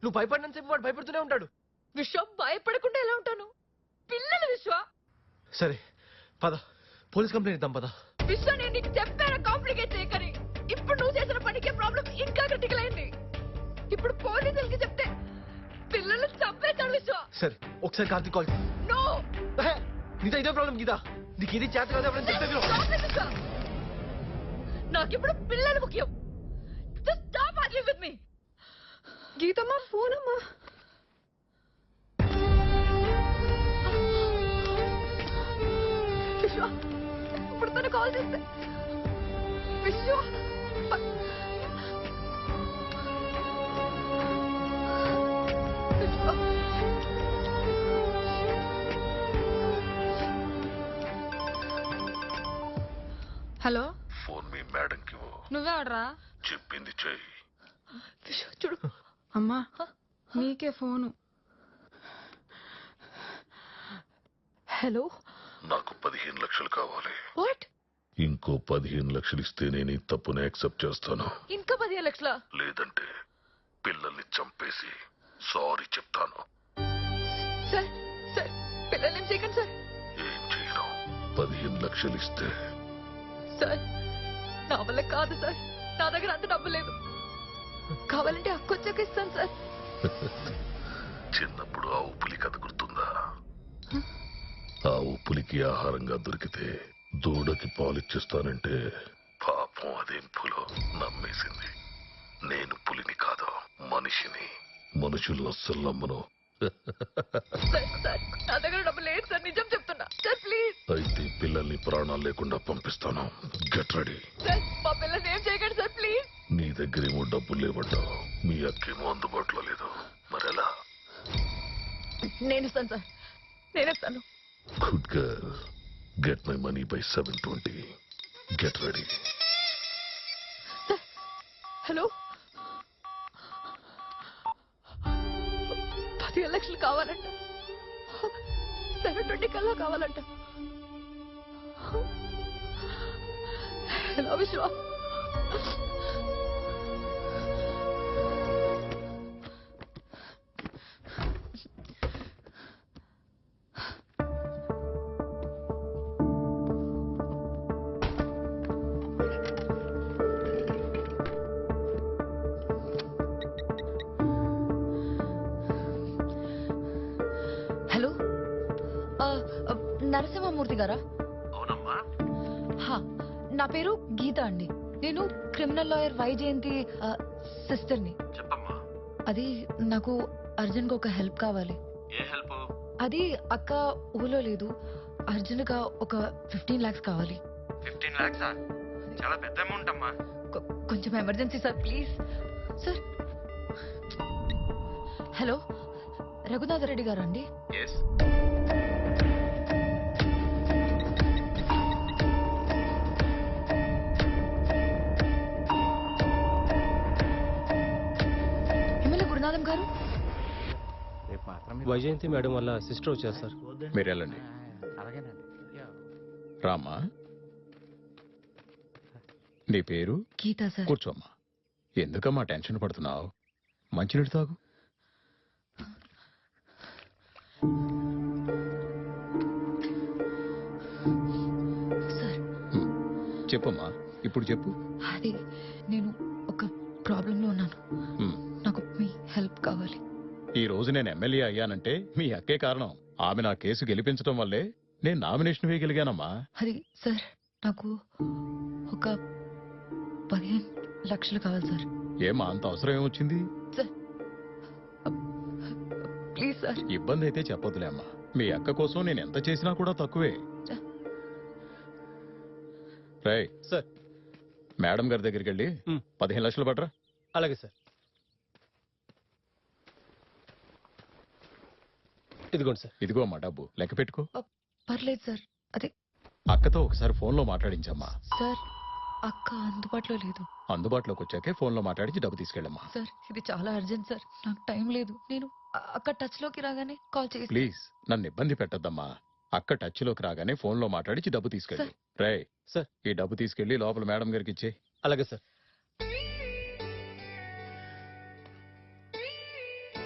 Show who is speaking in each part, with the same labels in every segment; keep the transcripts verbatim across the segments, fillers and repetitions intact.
Speaker 1: నువ్వు భయపడినంత సేపు వాడు భయపడుతూనే ఉంటాడు.
Speaker 2: విశ్వ భయపడకుండా ఎలా ఉంటాను? పిల్లలు విశ్వ.
Speaker 1: సరే పద, పోలీస్ కంప్లైంట్ ఇద్దాం పద.
Speaker 2: విశ్వ నేను నీకు చెప్పాను కాంప్లికేట్ చేయకని. ఇప్పుడు నువ్వు చేసిన పనికి ప్రాబ్లం ఇంకా క్రిటికల్ అయింది. ఇప్పుడు పోలీసులకి చెప్తే పిల్లలు చంపేస్తాడు విశ్వ.
Speaker 1: సరే ఒకసారి కార్తీక్ కాల్.
Speaker 2: నో
Speaker 1: నీతో ఇదే ప్రాబ్లం గీత. నీకు ఇది చేత కాదు ఎవరైనా చెప్తే
Speaker 2: నాకిప్పుడు పిల్లలు ముఖ్యం. Just stop arguing with me. గీతమ్మా ఫోన్ అమ్మా. విశ్వ ఇప్పుడు తను కాల్ చేస్తే విశ్వ హలో
Speaker 3: ఫోన్ మీ మేడంకి
Speaker 2: నువ్వే ఆడరా
Speaker 3: చెప్పింది చెయ్యి.
Speaker 2: చూడు
Speaker 4: అమ్మా నీకే ఫోను.
Speaker 2: హలో
Speaker 3: నాకు పదిహేను లక్షలు కావాలి.
Speaker 2: వాట్?
Speaker 3: ఇంకో పదిహేను లక్షలు ఇస్తే నేను ఈ తప్పుని యాక్సెప్ట్ చేస్తాను.
Speaker 2: ఇంకా పదిహేను లక్షల?
Speaker 3: లేదంటే పిల్లల్ని చంపేసి సారీ చెప్తాను.
Speaker 2: సార్ సార్ పిల్లల్ని చేయకండి సార్.
Speaker 3: ఏం చేయను. పదిహేను లక్షలు ఇస్తే
Speaker 2: సార్ నా వల్ల కాదు సార్. నా దగ్గర అంత డబ్బు లేదు. కావాలంటే అక్కొచ్చాక ఇస్తాను సార్.
Speaker 3: చిన్నప్పుడు ఆ ఉప్పులి కథ గుర్తుందా? ఆ ఉప్పులికి ఆహారంగా దొరికితే దూడకి పాలిచ్చేస్తానంటే పాపం అదేం పులో నమ్మేసింది. నేను పులిని కాదు మనిషిని. మనుషులు అస్సలు నమ్మను.
Speaker 2: నా దగ్గర డబ్బు లేదు సార్. నిజం చెప్తున్నా సార్ ప్లీజ్.
Speaker 3: అయితే పిల్లల్ని ప్రాణాలు లేకుండా పంపిస్తాను. Get ready.
Speaker 2: సార్ మా పిల్లల్ని ఏం చేయకండి సార్ ప్లీజ్.
Speaker 3: నీ దగ్గరేమో డబ్బులు లేవంటావు, మీ అక్కేమో అందుబాటులో లేదు. మరెలా?
Speaker 2: నేను ఇస్తాను సార్, నేను ఇస్తాను.
Speaker 3: Good girl. Get my money by seven twenty. Get ready.
Speaker 2: Hello పదిహేను లక్షలు కావాలంట. సెవెన్ ట్వంటీ కల్లా కావాలంట. హలో విశ్వ. నరసింహమూర్తి గారా?
Speaker 1: అవునమ్మా.
Speaker 2: నా పేరు గీత అండి. నేను క్రిమినల్ లాయర్ వైజయంతి సిస్టర్ని.
Speaker 1: చెప్పమ్మా.
Speaker 2: అది నాకు అర్జున్ గా ఒక హెల్ప్ కావాలి.
Speaker 1: ఏ హెల్ప్?
Speaker 2: అది అక్క ఊళ్ళో లేదు. అర్జున్ గా ఒక ఫిఫ్టీన్ లాక్స్ కావాలి.
Speaker 1: ఫిఫ్టీన్ లాక్సా? చాలా పెద్ద అమౌంట్ అమ్మా.
Speaker 2: కొంచెం emergency sir please. Sir hello Raghunatha Reddy garu అండి? గురునాథం గారు?
Speaker 5: వైజయంతి మేడం వల్ల సిస్టర్ వచ్చారు సార్.
Speaker 6: మీరు వెళ్ళండి. రామ్మా, నీ పేరు?
Speaker 2: గీత సార్.
Speaker 6: కూర్చోమ్మా. ఎందుకమ్మా టెన్షన్ పడుతున్నావు? మంచినీళ్ళు తాగు.
Speaker 2: సార్
Speaker 6: చెప్పమ్మా, ఇప్పుడు చెప్పు.
Speaker 2: అది నేను ఒక ప్రాబ్లంలో ఉన్నాను. నాకు మీ హెల్ప్ కావాలి.
Speaker 6: ఈ రోజు నేను ఎమ్మెల్యే అయ్యానంటే మీ అక్కే కారణం. ఆమె నా కేసు గెలిపించడం వల్లే నేను నామినేషన్ వేయగలిగానమ్మా.
Speaker 2: అది సార్ నాకు ఒక పదిహేను లక్షలు కావాలి సార్.
Speaker 6: ఏమా అంత అవసరం ఏమొచ్చింది?
Speaker 2: Please sir.
Speaker 6: ఇబ్బంది అయితే చెప్పొద్దులే అమ్మా. మీ అక్క కోసం నేను ఎంత చేసినా కూడా తక్కువే. రై
Speaker 5: సార్,
Speaker 6: మేడం గారి దగ్గరికి వెళ్ళి పదిహేను లక్షలు పట్టరా.
Speaker 5: అలాగే సార్. ఇదిగోండి సార్.
Speaker 6: ఇదిగో అమ్మా డబ్బు, లెక్క పెట్టుకో.
Speaker 2: పర్లేదు సార్. అదే
Speaker 6: అక్కతో ఒకసారి ఫోన్ లో మాట్లాడించమ్మా.
Speaker 2: సార్ అక్క అందుబాటులో లేదు.
Speaker 6: అందుబాటులోకి వచ్చాకే ఫోన్ లో మాట్లాడించి డబ్బు తీసుకెళ్ళమ్మా.
Speaker 2: సార్ ఇది చాలా అర్జెంట్ సార్. నాకు టైం లేదు. నేను అక్క టచ్ లోకి రాగానే కాల్ చేసి.
Speaker 6: ప్లీజ్ నన్ను ఇబ్బంది పెట్టద్దమ్మా. అక్క టచ్ లోకి రాగానే ఫోన్ లో మాట్లాడించి డబ్బు తీసుకెళ్ళి. రే
Speaker 5: సార్,
Speaker 6: ఈ డబ్బు తీసుకెళ్లి లోపల మేడం గారికి ఇచ్చే.
Speaker 5: అలాగే సార్.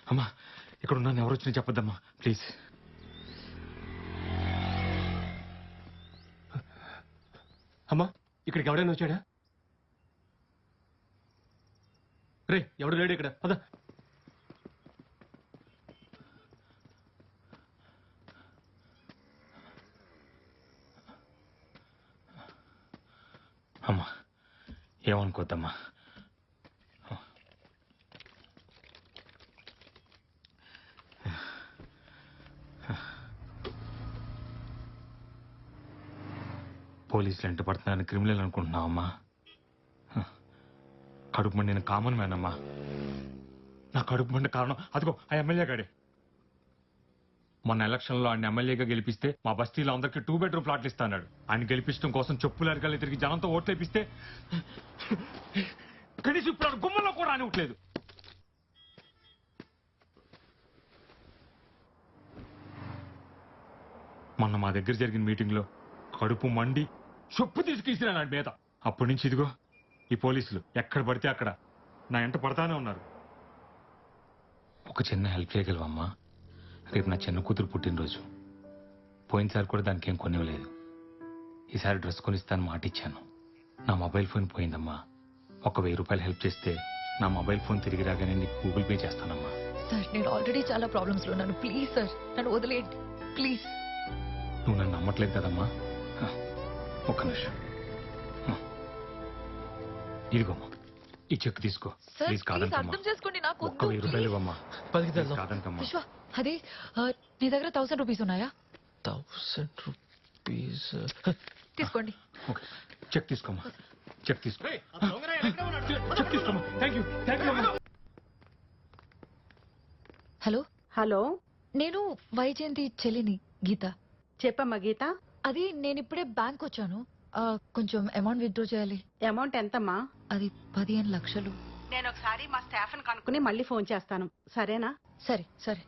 Speaker 7: అమ్మా ఇక్కడ ఉన్నాను, ఎవరు వచ్చినా చెప్పొద్దమ్మా ప్లీజ్.
Speaker 5: అమ్మా ఇక్కడికి ఎవడైనా వచ్చాడా? రే ఎవడు లేడు ఇక్కడ, పద.
Speaker 7: అమ్మా ఏమనుకోద్దమ్మా. పోలీసులు ఎంట పడుతున్నారని క్రిమినల్ అనుకుంటున్నావు అమ్మా? కడుపు మండి నేను కామన్ మ్యాన్ అమ్మా. నా కడుపు మండి కారణం అదిగో ఆ ఎమ్మెల్యే గాడే. మొన్న ఎలక్షన్లో ఆయన ఎమ్మెల్యేగా గెలిపిస్తే మా బస్తీలో అందరికీ టూ బెడ్రూమ్ ప్లాట్లు ఇస్తాడు. ఆయన గెలిపించడం కోసం చెప్పులు అరగాలి తిరిగి జనంతో ఓట్లు వేపిస్తే కనీసం ఇప్పుడు గుమ్మలో కూడా రానివ్వట్లేదు. మొన్న మా దగ్గర జరిగిన మీటింగ్లో కడుపు మండి చెప్పు తీసుకెసిరాను ఆయన మీద. అప్పటి నుంచి ఇదిగో ఈ పోలీసులు ఎక్కడ పడితే అక్కడ నా ఎంట పడతానే ఉన్నారు. ఒక చిన్న హెల్ప్ చేయగలవమ్మా? రేపు నా చిన్న కూతురు పుట్టినరోజు. పోయినసారి కూడా దానికి ఏం కొనివ్వలేదు. ఈసారి డ్రెస్ కొనిస్తాను మాట ఇచ్చాను. నా మొబైల్ ఫోన్ పోయిందమ్మా. ఒక వెయ్యి రూపాయలు హెల్ప్ చేస్తే నా మొబైల్ ఫోన్ తిరిగి రాగానే నీకు గూగుల్ పే చేస్తానమ్మా.
Speaker 2: సార్ నేను ఆల్రెడీ చాలా ప్రాబ్లమ్స్ లో ఉన్నాను. ప్లీజ్ సార్ నన్ను వదిలేయండి ప్లీజ్.
Speaker 7: నువ్వు నన్ను నమ్మట్లేదు కదమ్మా? ఒక్క నిమిషం. ఇదిగోమ్మా ఈ చెక్ తీసుకో.
Speaker 2: సార్
Speaker 7: ప్లీజ్
Speaker 2: ప్లీజ్
Speaker 7: కాదనకమ్మా.
Speaker 2: అర్థం చేసుకోండి నాకు
Speaker 7: ఒక్క వెయ్యి రూపాయలు ఇవ్వమ్మా.
Speaker 1: పదికి
Speaker 7: ప్లీజ్ కాదనకమ్మా.
Speaker 2: విశ్వ అదే ఆ, నీ దగ్గర థౌసండ్ రూపీస్ ఉన్నాయా?
Speaker 1: థౌసండ్ రూపీస్
Speaker 2: తీసుకోండి.
Speaker 7: ఓకే చెక్ తీసుకోమ్మా. చెక్ తీసుకో. చెక్ తీసుకోమ్మా. థ్యాంక్ యూ థ్యాంక్ యూ అమ్మా.
Speaker 2: హలో
Speaker 8: హలో
Speaker 2: నేను వైజయంతి చెల్లిని గీత.
Speaker 8: చెప్పమ్మా గీత.
Speaker 2: అది నేను ఇప్పుడే బ్యాంక్ వచ్చాను. ఆ, కొంచెం అమౌంట్ విత్డ్రా చేయాలి.
Speaker 8: అమౌంట్ ఎంతమ్మా?
Speaker 2: అది పదిహేను లక్షలు.
Speaker 8: నేను ఒకసారి మా స్టాఫ్ ని కనుక్కుని మళ్ళీ ఫోన్ చేస్తాను, సరేనా?
Speaker 2: సరే సరే.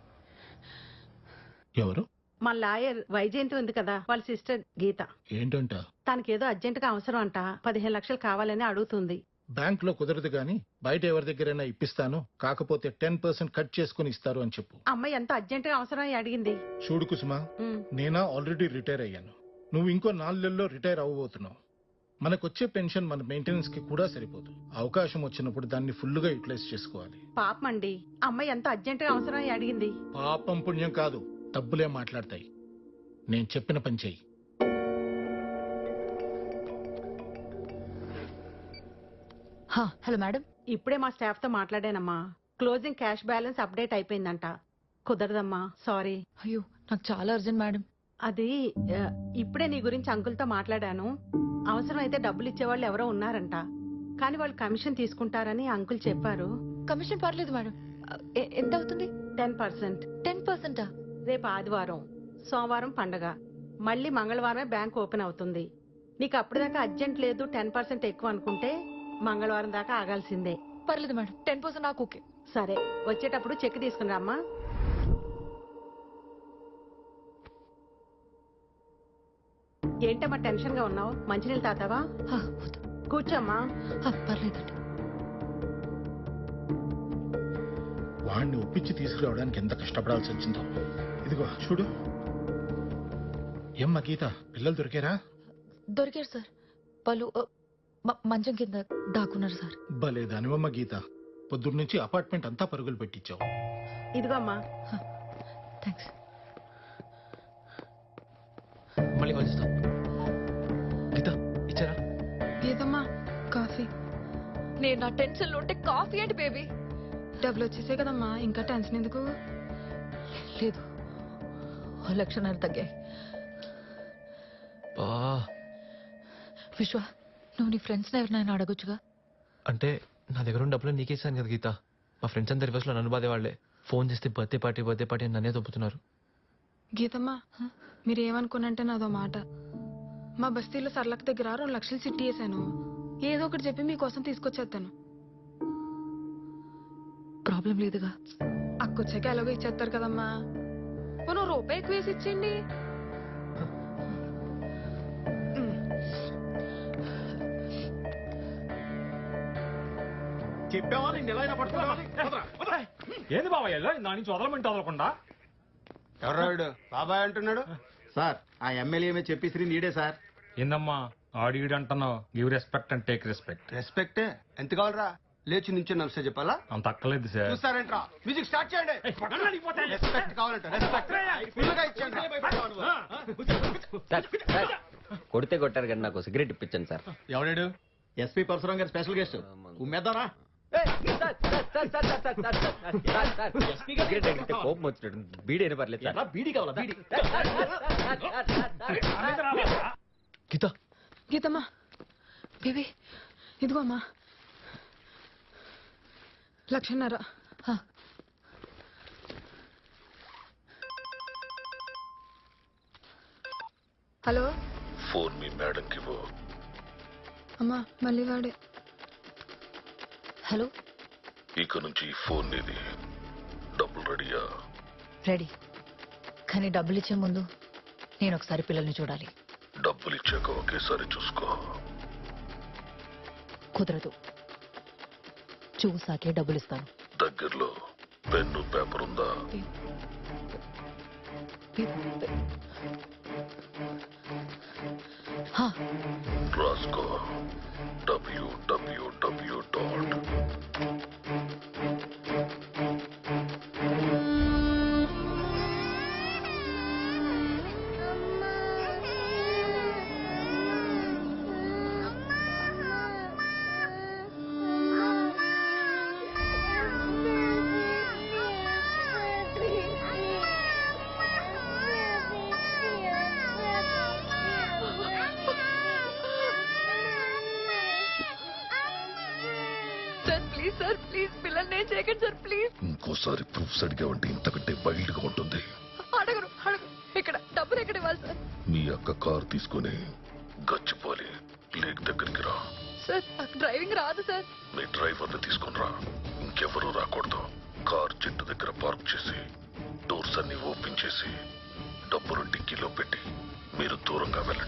Speaker 6: ఎవరు?
Speaker 8: మా లాయర్ వైజయంతి ఉంది కదా, వాళ్ళ సిస్టర్ గీత.
Speaker 6: ఏంటంట?
Speaker 8: తనకేదో అర్జెంట్ గా అవసరం అంట, పదిహేను లక్షలు కావాలని అడుగుతుంది.
Speaker 9: బ్యాంక్ లో కుదరదు గాని బయట ఎవరి దగ్గరైనా ఇప్పిస్తాను, కాకపోతే టెన్ పర్సెంట్ కట్ చేసుకుని ఇస్తారు అని చెప్పు.
Speaker 8: అమ్మాయి ఎంత అర్జెంట్ గా అవసరం అని అడిగింది.
Speaker 9: చూడు కుసుమా,
Speaker 8: ఉమ్,
Speaker 9: నేనా ఆల్రెడీ రిటైర్ అయ్యాను. నువ్వు ఇంకో నాలుగేళ్లలో రిటైర్ అవ్వబోతున్నావు. మనకొచ్చే పెన్షన్ మన మెయింటెనెన్స్ కి కూడా సరిపోదు. అవకాశం వచ్చినప్పుడు దాన్ని ఫుల్ గా యూటిలైజ్ చేసుకోవాలి.
Speaker 8: పాపం అండి, అమ్మాయి ఎంత అర్జెంట్ గా అవసరం అని అడిగింది.
Speaker 9: పాపం పుణ్యం కాదు, డబ్బులే మాట్లాడతాయి. నేను చెప్పిన పని చెయ్యి.
Speaker 2: హా, హలో మేడం.
Speaker 8: ఇప్పుడే మా స్టాఫ్ తో మాట్లాడానమ్మా. క్లోజింగ్ క్యాష్ బ్యాలెన్స్ అప్డేట్ అయిపోయిందంట. కుదరదమ్మా, సారీ.
Speaker 2: అయ్యో నాకు చాలా అర్జెంట్ మేడం.
Speaker 8: అది ఆ, ఇప్పుడే నీ గురించి అంకుల్తో మాట్లాడాను. అవసరం అయితే డబ్బులు ఇచ్చేవాళ్ళు ఎవరో ఉన్నారంట, కానీ వాళ్ళు కమిషన్ తీసుకుంటారని అంకుల్ చెప్పారు.
Speaker 2: కమిషన్ పర్లేదు మేడం. ఎ- ఎంత అవుతుంది?
Speaker 8: Ten percent.
Speaker 2: టెన్ పర్సెంటా?
Speaker 8: రేపు ఆదివారం, సోమవారం పండగ, మళ్ళీ మంగళవారమే బ్యాంక్ ఓపెన్ అవుతుంది. నీకు అప్పటిదాకా అర్జెంట్ లేదు, టెన్ పర్సెంట్ ఎక్కువ అనుకుంటే మంగళవారం దాకా ఆగాల్సిందే.
Speaker 2: పర్లేదు మేడం, టెన్ పర్సెంట్ నాకు ఓకే.
Speaker 8: సరే, వచ్చేటప్పుడు చెక్ తీసుకుని రామ్మా. ఏంటమ్మా టెన్షన్ గా ఉన్నావు? మంచినీళ్ళు తాతావా?
Speaker 2: హా, వద్దు.
Speaker 8: కూర్చోమ్మా.
Speaker 2: హా, పర్లేదండి.
Speaker 9: వాడిని ఒప్పించి తీసుకురావడానికి ఎంత కష్టపడాల్సి వచ్చిందో. ఇదిగో చూడు. ఏమ్మా గీత, పిల్లలు దొరికారా?
Speaker 2: దొరికారు సార్. వాళ్ళు ఆ, మ- మంచం కింద దాక్కున్నారు సార్.
Speaker 9: భలే దానివమ్మ గీత, పొద్దున్న నుంచి అపార్ట్మెంట్ అంతా పరుగులు పెట్టించావు.
Speaker 8: ఇదిగో అమ్మా.
Speaker 2: థ్యాంక్స్.
Speaker 1: మళ్ళీ కాల్ చేస్తా. గీత ఇచ్చారా?
Speaker 4: గీతమ్మా కాఫీ.
Speaker 2: నేను నా టెన్షన్ లో ఉంటే కాఫీ ఏంటి బేబీ?
Speaker 4: డబ్బులు వచ్చేసాయి కదమ్మా, ఇంకా టెన్షన్ ఎందుకు?
Speaker 2: లేదు, ఓ లక్షన్నర తగ్గాయి.
Speaker 1: బా
Speaker 2: విశ్వ, నువ్వు నీ ఫ్రెండ్స్ ఎవరినైనా అడగొచ్చుగా.
Speaker 1: అంటే నా దగ్గర ఉన్న డబ్బులు నీకేసాను కదా గీత. మా ఫ్రెండ్స్ అందరి రివర్స్ లో నన్ను బాధే వాళ్ళే. ఫోన్ చేస్తే బర్త్డే పార్టీ బర్త్డే పార్టీ అని నన్నే దొబ్బుతున్నారు.
Speaker 4: గీతమ్మా మీరేమనుకున్నంటే నాదో మాట. మా బస్తీలో సర్లక్ దగ్గర రెండు లక్షలు చిట్టి వేసాను. ఏదో ఒకటి చెప్పి మీకోసం తీసుకొచ్చేస్తాను.
Speaker 2: ప్రాబ్లం లేదుగా.
Speaker 4: అక్కొచ్చాక ఎలాగో ఇచ్చేస్తారు కదమ్మా. పోనీ ఓ రూపాయి ఎక్కువ వేసి ఇచ్చేయండి.
Speaker 6: చెప్పావా నేను ఎలా అయినా పట్టుకోవాలి.
Speaker 7: ఏంది బాబాయ్ ఇలా? నా నుంచి వదలమంటే వదలకుండా
Speaker 10: ఎవరాడు బాబాయ్ అంటున్నాడు?
Speaker 11: సార్ ఆ ఎమ్మెల్యే చెప్పేసి నీడే సార్.
Speaker 7: ఏందమ్మా ఆడిడు అంటున్నావు? Give respect and take respect.
Speaker 10: రెస్పెక్టే ఎంత కావాలరా? లేచి నుంచి నమస్తే చెప్పాలా?
Speaker 7: అంత అక్కలేదు సార్.
Speaker 10: చూస్తారేంట్రా? మ్యూజిక్ స్టార్ట్ చేయండి. రెస్పెక్ట్ కావాలంట రెస్పెక్ట్ ఫుల్గా ఇచ్చేయండి.
Speaker 11: కొడితే కొట్టారు కానీ నాకు సిగరెట్ ఇప్పించండి సార్.
Speaker 5: ఎవడాడు?
Speaker 11: ఎస్పీ పరశురాం గారు స్పెషల్ గెస్ట్. ఉమ్మేద్దారా? కోపం వచ్చినట్టు బీడీ అయినా పర్లేదు సార్. బీడీ కావాలా? బీడీ
Speaker 1: గీత
Speaker 4: గీతమ్మా బేబీ ఇదిగో అమ్మా లక్షన్నర. హలో
Speaker 3: ఫోన్ మీ మేడంకి ఇవ్వు.
Speaker 4: అమ్మా మళ్ళీ వాడే.
Speaker 2: హలో
Speaker 3: ఇక నుంచి ఈ ఫోన్ నీది. డబ్బులు రెడీయా?
Speaker 2: రెడీ. కానీ డబ్బులు ఇచ్చే ముందు నేను ఒకసారి పిల్లల్ని చూడాలి.
Speaker 3: డబ్బులు ఇచ్చాక ఒకేసారి చూసుకో.
Speaker 2: కుదరదు, చూసాకే డబ్బులు ఇస్తాను.
Speaker 3: దగ్గరలో పెన్ను పేపర్ ఉందా?
Speaker 2: హా,
Speaker 3: రాసుకో. W W W dot
Speaker 2: sir please sir please పిల్లల్ని ఏం చేయకండి సార్ ప్లీజ్.
Speaker 3: ఇంకోసారి ప్రూఫ్స్ అడిగావంటే ఇంతకంటే వైల్డ్ గా ఉంటుంది.
Speaker 2: అడగరు అడగరు. ఇక్కడ డబ్బులు ఎక్కడ ఇవ్వాలి సార్?
Speaker 3: మీ అక్క కారు తీసుకుని గచ్చిపోలి లేక్ దగ్గరికి రా.
Speaker 2: సార్ నాకు డ్రైవింగ్ రాదు సార్.
Speaker 3: మీ డ్రైవర్ని తీసుకుని రా. ఇంకెవరూ రాకూడదు. కార్ చెట్టు దగ్గర పార్క్ చేసి డోర్స్ అన్ని ఓపెన్ చేసి డబ్బులు డిక్కీలో పెట్టి మీరు దూరంగా వెళ్ళండి.